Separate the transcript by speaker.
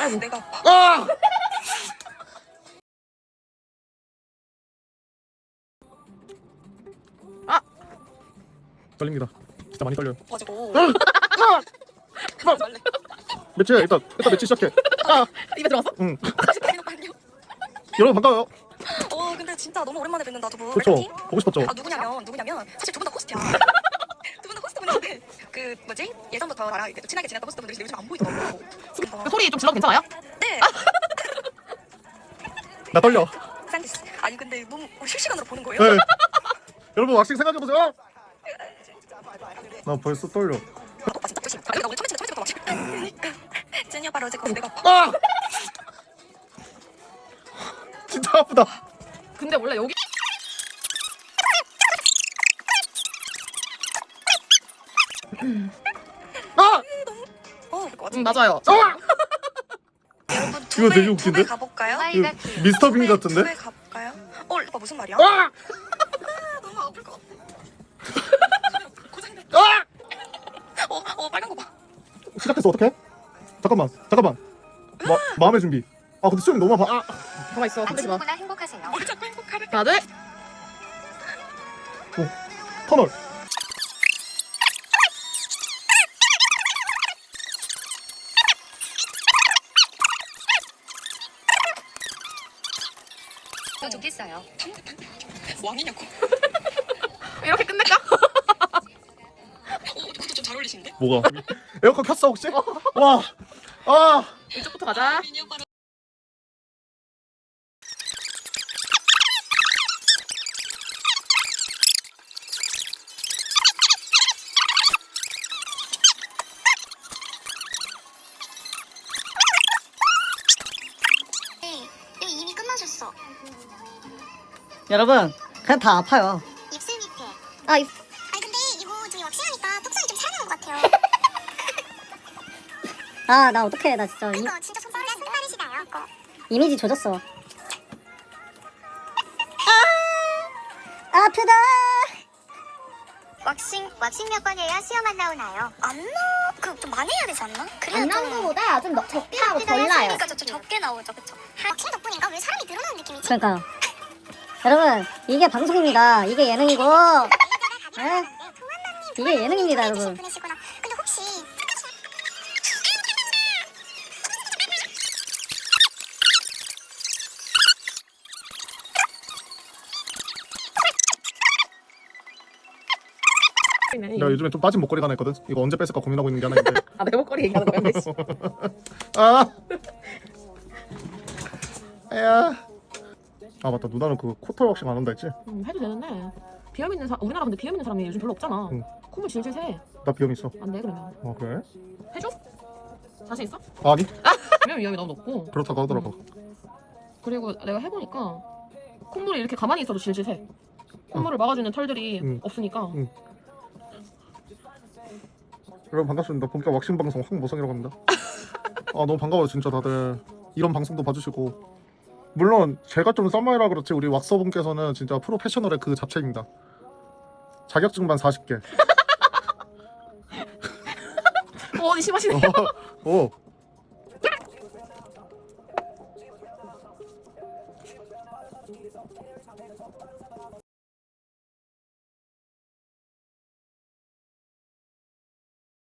Speaker 1: 아이고.
Speaker 2: 내가
Speaker 3: 아!
Speaker 1: 아!
Speaker 3: 떨립니다. 진짜 많이 떨려요.
Speaker 2: 가지고
Speaker 3: 매치 일단 매치 시작해. 아!
Speaker 1: 입에 들어갔어?
Speaker 3: 응.
Speaker 2: 빨리요.
Speaker 3: 여러분 반가워요.
Speaker 2: 근데 진짜 너무 오랜만에 뵙는다 두 분.
Speaker 3: 그렇죠.
Speaker 2: 웰컴팀.
Speaker 3: 보고 싶었죠.
Speaker 2: 아 누구냐면 사실 두 분 다 호스트야. 두 분 다 호스트분인데 그 뭐지 예전부터 나랑 이렇게 친하게 지냈던 호스트분들이 요즘 안 보이더라고.
Speaker 1: 그 소리 좀 질러도 괜찮아요?
Speaker 2: 네.
Speaker 3: 나 떨려.
Speaker 2: 샌디스. 아니 근데 너무 실시간으로 보는 거예요?
Speaker 3: 네. 여러분 왁싱 생각해보세요. 나 벌써 떨려.
Speaker 2: 아 진짜 조심. 나 오늘 처음에 친다 왁싱. 그러니까 제니 오빠 어제 내가
Speaker 3: 아! 진짜 아프다.
Speaker 1: 근데 원래 여기
Speaker 3: 아!
Speaker 2: 그럴 것 같아.
Speaker 1: 맞아요.
Speaker 3: 아!
Speaker 2: 여러분
Speaker 3: 이거 되게 웃긴데?
Speaker 2: 두배 가볼까요?
Speaker 3: 이거 미스터 빈 같은데?
Speaker 2: 두배 가볼까요? 오빠 무슨 말이야?
Speaker 3: 아!
Speaker 2: 너무 아플 것 같아.
Speaker 3: 아!
Speaker 2: 빨간 거 봐.
Speaker 3: 시작했어. 어떡해? 잠깐만. 마음의 준비. 아 근데 수영이 너무 아파. 아!
Speaker 1: 가만 있어. 흔들지 마.
Speaker 4: 아침이구나 행복하세요.
Speaker 2: 뭘 자꾸 행복하래?
Speaker 1: 하나 둘.
Speaker 3: 터널.
Speaker 4: 좋겠어요.
Speaker 2: 왕이냐고.
Speaker 1: 이렇게 끝낼까?
Speaker 2: 그것도 좀 잘 어울리시는데?
Speaker 3: 뭐가? 에어컨 켰어 혹시? 와! 아!
Speaker 1: 이쪽부터 가자.
Speaker 2: 미니 오빠랑
Speaker 4: 이거 이미 끝나셨어.
Speaker 5: 여러분 그냥 다 아파요.
Speaker 4: 입술 밑에.
Speaker 5: 아니
Speaker 4: 근데 이거 저기 왁싱하니까 톡선이 좀 살아나는 것 같아요.
Speaker 5: 나 어떡해. 나 진짜
Speaker 4: 그거 진짜 손빠르시다요. 그거.
Speaker 5: 이미지 조졌어. 아프다.
Speaker 4: 왁싱 몇 번 해야 수염 안 나오나요? 안 나. 그 좀 많이 해야 되지 않나? 그래야
Speaker 6: 안 나온 거보다 좀 적게 하고 덜 나요.
Speaker 4: 그러니까 좀 적게 나오죠, 그쵸? 왁싱 덕분인가 왜 사람이 늘어나는 느낌이지?
Speaker 5: 그러니까요. 여러분 이게 방송입니다. 이게 예능이고 에? 이게 예능입니다 여러분.
Speaker 4: 분이시구나. 근데 혹시
Speaker 3: 나 요즘에 좀 빠진 목걸이가 하나 있거든. 이거 언제 뺏을까 고민하고 있는 게 하나 있는데.
Speaker 1: 아, 내 목걸이 얘기하는 거야. 근데.
Speaker 3: 아! 야. 아 맞다. 누나는 그 코털 왁싱 안 한다 했지?
Speaker 1: 해도 되는데 비염 있는 우리나라 근데 비염 있는 사람이 요즘 별로 없잖아.
Speaker 3: 응.
Speaker 1: 콧물 질질 새.
Speaker 3: 나 비염 있어.
Speaker 1: 안 돼 그러면.
Speaker 3: 그래?
Speaker 1: 해줘? 자신 있어?
Speaker 3: 아니
Speaker 1: 비염 위험이 너무 높고.
Speaker 3: 그렇다고 하더라고.
Speaker 1: 그리고 내가 해보니까 콧물이 이렇게 가만히 있어도 질질 새. 콧물을 막아주는 털들이
Speaker 3: 응.
Speaker 1: 없으니까.
Speaker 3: 응. 여러분 반갑습니다. 본격 왁싱 방송 황모성이라고 합니다. 아 너무 반가워요 진짜 다들. 이런 방송도 봐주시고. 물론 제가 좀 썸머이라 그렇지 우리 왁서분께서는 진짜 프로페셔널의 그 잡채입니다. 자격증만 40개.
Speaker 1: 어디 심하시네.
Speaker 3: 오.